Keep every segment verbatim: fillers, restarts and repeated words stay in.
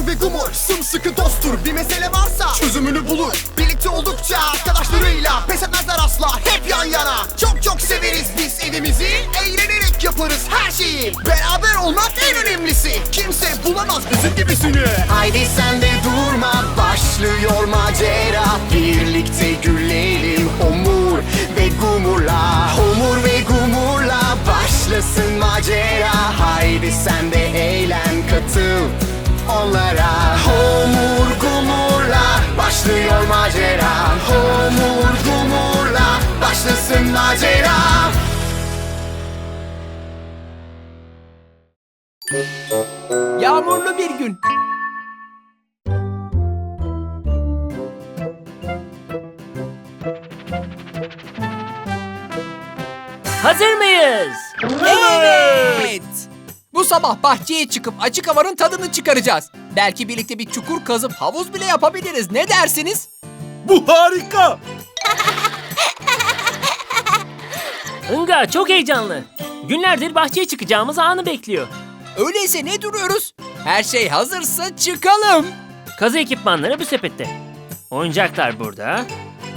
Homur ve Gumur sımsıkı dosttur. Bir mesele varsa çözümünü bulur. Birlikte oldukça arkadaşlarıyla pes etmezler asla, hep yan yana. Çok çok severiz biz evimizi, eğlenerek yaparız her şeyi. Beraber olmak en önemlisi, kimse bulamaz bizim gibisini. Haydi sen de durma, başlıyor macera. Birlikte gülelim Homur ve Gumur'la. Homur ve Gumur'la başlasın macera. Haydi sen de eğlen, katıl onlara. Homur Gumur'la başlıyor macera. Homur Gumur'la başlasın macera. Yağmurlu bir gün. Hazır mıyız? Evet. Bu sabah bahçeye çıkıp açık havanın tadını çıkaracağız. Belki birlikte bir çukur kazıp havuz bile yapabiliriz. Ne dersiniz? Bu harika. Inga çok heyecanlı. Günlerdir bahçeye çıkacağımız anı bekliyor. Öyleyse ne duruyoruz? Her şey hazırsa çıkalım. Kazı ekipmanları bu sepette. Oyuncaklar burada.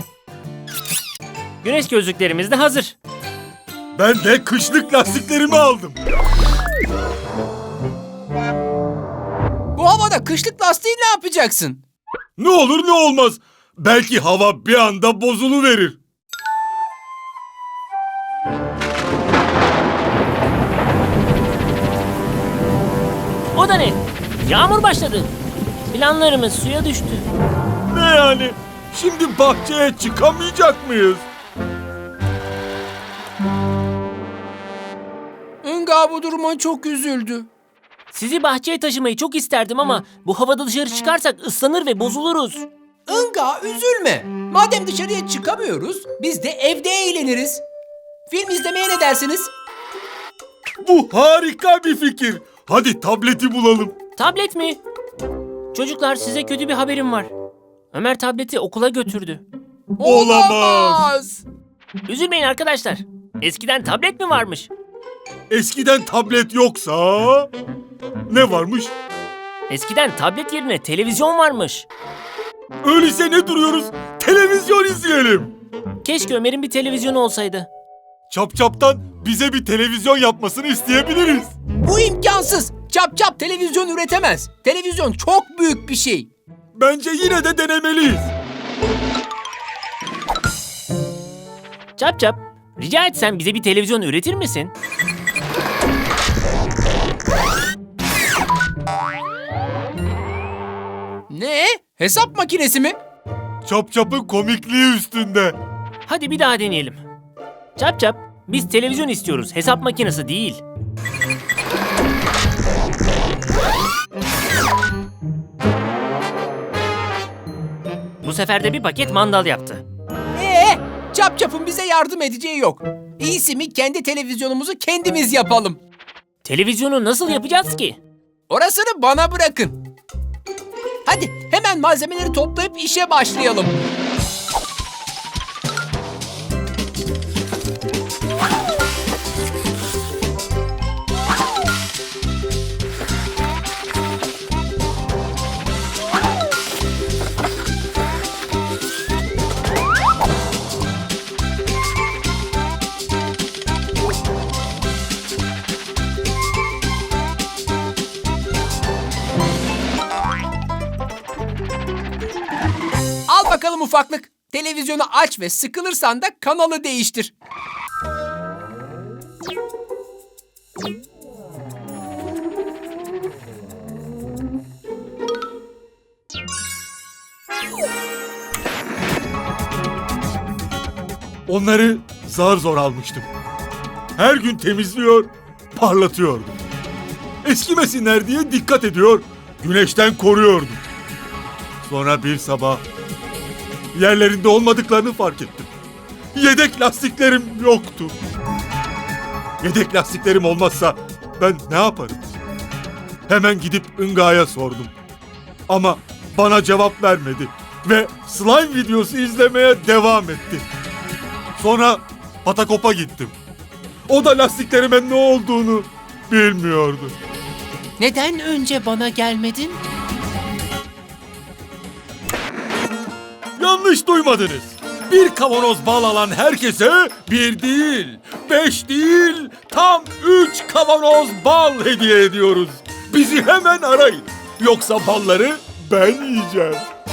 Güneş gözlüklerimiz de hazır. Ben de kışlık lastiklerimi aldım. Bu havada kışlık lastiği ne yapacaksın? Ne olur ne olmaz. Belki hava bir anda bozuluverir. O da ne? Yağmur başladı. Planlarımız suya düştü. Ne yani? Şimdi bahçeye çıkamayacak mıyız? Inga bu duruma çok üzüldü. Sizi bahçeye taşımayı çok isterdim ama bu havada dışarı çıkarsak ıslanır ve bozuluruz. Inga üzülme. Madem dışarıya çıkamıyoruz, biz de evde eğleniriz. Film izlemeye ne dersiniz? Bu harika bir fikir. Hadi tableti bulalım. Tablet mi? Çocuklar size kötü bir haberim var. Ömer tableti okula götürdü. Olamaz. Üzülmeyin arkadaşlar. Eskiden tablet mi varmış? Eskiden tablet yoksa ne varmış? Eskiden tablet yerine televizyon varmış. Öyleyse ne duruyoruz? Televizyon izleyelim. Keşke Ömer'in bir televizyonu olsaydı. Çapçap'tan bize bir televizyon yapmasını isteyebiliriz. Bu imkansız. Çap çap televizyon üretemez. Televizyon çok büyük bir şey. Bence yine de denemeliyiz. Çap çap, rica etsem bize bir televizyon üretir misin? Ne? Hesap makinesi mi? Çapçap'ın komikliği üstünde. Hadi bir daha deneyelim. Çap çap, biz televizyon istiyoruz, hesap makinesi değil. Bu sefer de bir paket mandal yaptı. Ee, çap çapın bize yardım edeceği yok. İyisi mi kendi televizyonumuzu kendimiz yapalım. Televizyonu nasıl yapacağız ki? Orasını bana bırakın. Hadi hemen malzemeleri toplayıp işe başlayalım. Al bakalım ufaklık. Televizyonu aç ve sıkılırsan da kanalı değiştir. Onları zar zor almıştım. Her gün temizliyor, parlatıyordum. Eskimesinler diye dikkat ediyor, güneşten koruyordum. Sonra bir sabah yerlerinde olmadıklarını fark ettim. Yedek lastiklerim yoktu. Yedek lastiklerim olmazsa ben ne yaparım? Hemen gidip Inga'ya sordum. Ama bana cevap vermedi ve slime videosu izlemeye devam etti. Sonra Patakop'a gittim. O da lastiklerime ne olduğunu bilmiyordu. Neden önce bana gelmedin? Yanlış duymadınız. Bir kavanoz bal alan herkese bir değil, beş değil, tam üç kavanoz bal hediye ediyoruz. Bizi hemen arayın. Yoksa balları ben yiyeceğim.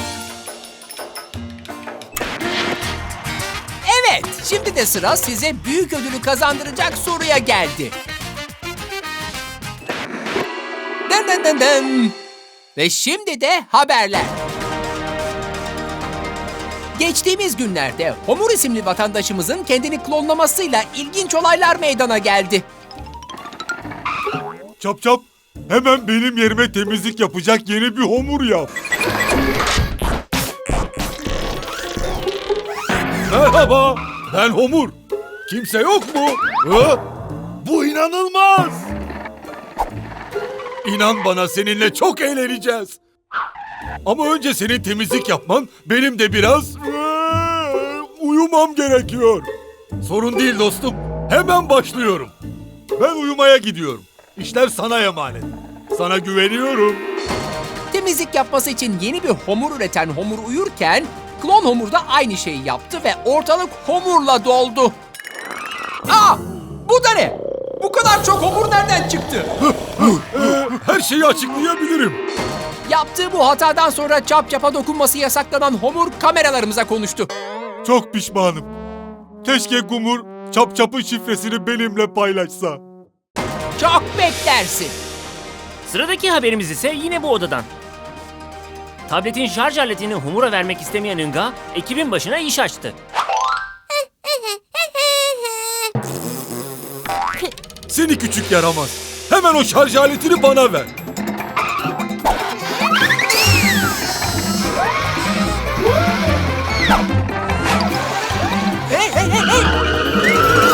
Evet, şimdi de sıra size büyük ödülü kazandıracak soruya geldi. Dın dın dın dın. Ve şimdi de haberler. Geçtiğimiz günlerde Homur isimli vatandaşımızın kendini klonlamasıyla ilginç olaylar meydana geldi. Çap çap, hemen benim yerime temizlik yapacak yeni bir homur yap. Merhaba, ben Homur. Kimse yok mu? Ha? Bu inanılmaz. İnan bana, seninle çok eğleneceğiz. Ama önce senin temizlik yapman, benim de biraz eee, uyumam gerekiyor. Sorun değil dostum, hemen başlıyorum. Ben uyumaya gidiyorum. İşler sana emanet. Sana güveniyorum. Temizlik yapması için yeni bir homur üreten Homur uyurken, klon Homur da aynı şeyi yaptı ve ortalık Homur'la doldu. Aa! Bu da ne? Bu kadar çok Homur nereden çıktı? Her şeyi açıklayabilirim. Yaptığı bu hatadan sonra Çap Çap'a dokunması yasaklanan Homur kameralarımıza konuştu. Çok pişmanım. Keşke Gumur Çap Çap'ın şifresini benimle paylaşsa. Çok beklersin. Sıradaki haberimiz ise yine bu odadan. Tabletin şarj aletini Homur'a vermek istemeyen Inga, ekibin başına iş açtı. Seni küçük yaramaz. Hemen o şarj aletini bana ver. Hey hey hey hey!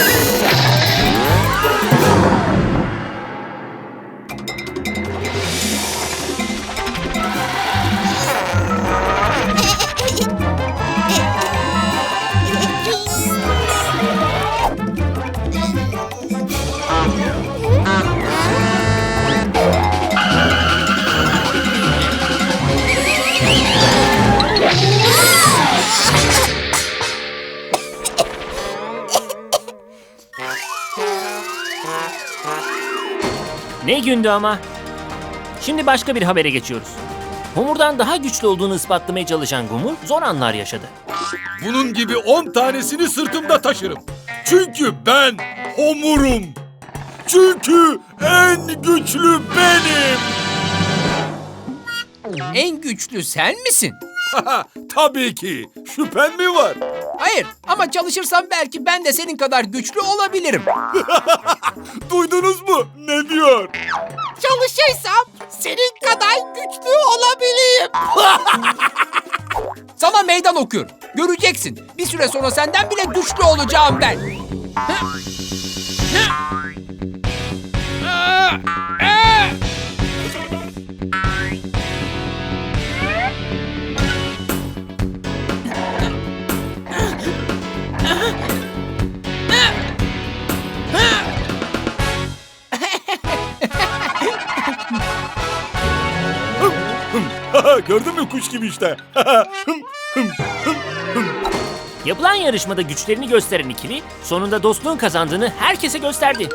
Ne gündü ama. Şimdi başka bir habere geçiyoruz. Homur'dan daha güçlü olduğunu ispatlamaya çalışan Gumur zor anlar yaşadı. Bunun gibi on tanesini sırtımda taşırım. Çünkü ben Homur'um. Çünkü en güçlü benim. En güçlü sen misin? Tabii ki. Şüphen mi var? Hayır ama çalışırsam belki ben de senin kadar güçlü olabilirim. Duydunuz mu? Ne diyor? Çalışırsam senin kadar güçlü olabilirim. Sana meydan okuyorum. Göreceksin. Bir süre sonra senden bile güçlü olacağım ben. Gördün mü, kuş gibi işte. Yapılan yarışmada güçlerini gösteren ikili sonunda dostluğun kazandığını herkese gösterdi.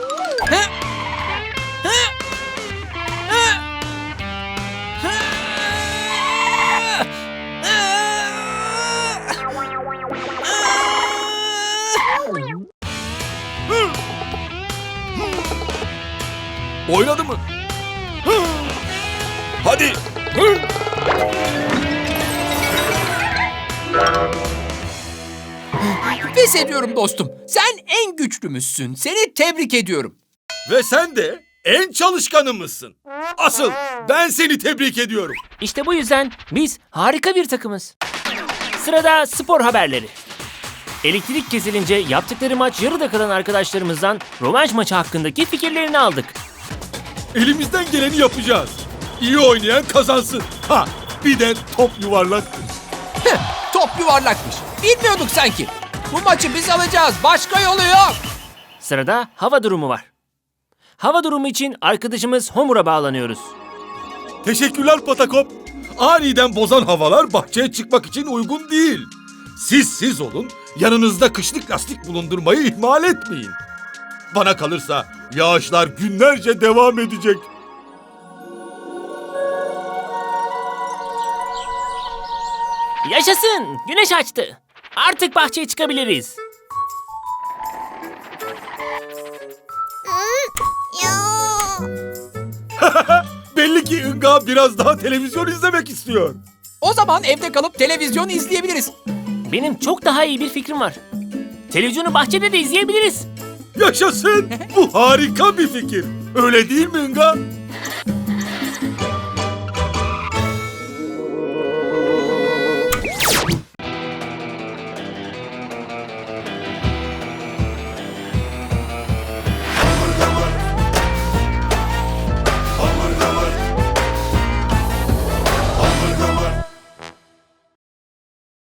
Oynadı mı? Hadi. Pes ediyorum dostum. Sen en güçlümüzsün. Seni tebrik ediyorum. Ve sen de en çalışkanımızsın. Asıl ben seni tebrik ediyorum. İşte bu yüzden biz harika bir takımız. Sırada spor haberleri. Elektrik kesilince yaptıkları maç yarıda kalan arkadaşlarımızdan rövanş maçı hakkındaki fikirlerini aldık. Elimizden geleni yapacağız. İyi oynayan kazansın. Ha, bir de top yuvarlaktır. Heh, top yuvarlakmış. Bilmiyorduk sanki. Bu maçı biz alacağız. Başka yolu yok. Sırada hava durumu var. Hava durumu için arkadaşımız Homur'a bağlanıyoruz. Teşekkürler Patakop. Aniden bozan havalar bahçeye çıkmak için uygun değil. Siz siz olun, yanınızda kışlık lastik bulundurmayı ihmal etmeyin. Bana kalırsa yağışlar günlerce devam edecek. Yaşasın! Güneş açtı. Artık bahçeye çıkabiliriz. Belli ki Inga biraz daha televizyon izlemek istiyor. O zaman evde kalıp televizyon izleyebiliriz. Benim çok daha iyi bir fikrim var. Televizyonu bahçede de izleyebiliriz. Yaşasın! Bu harika bir fikir. Öyle değil mi Inga?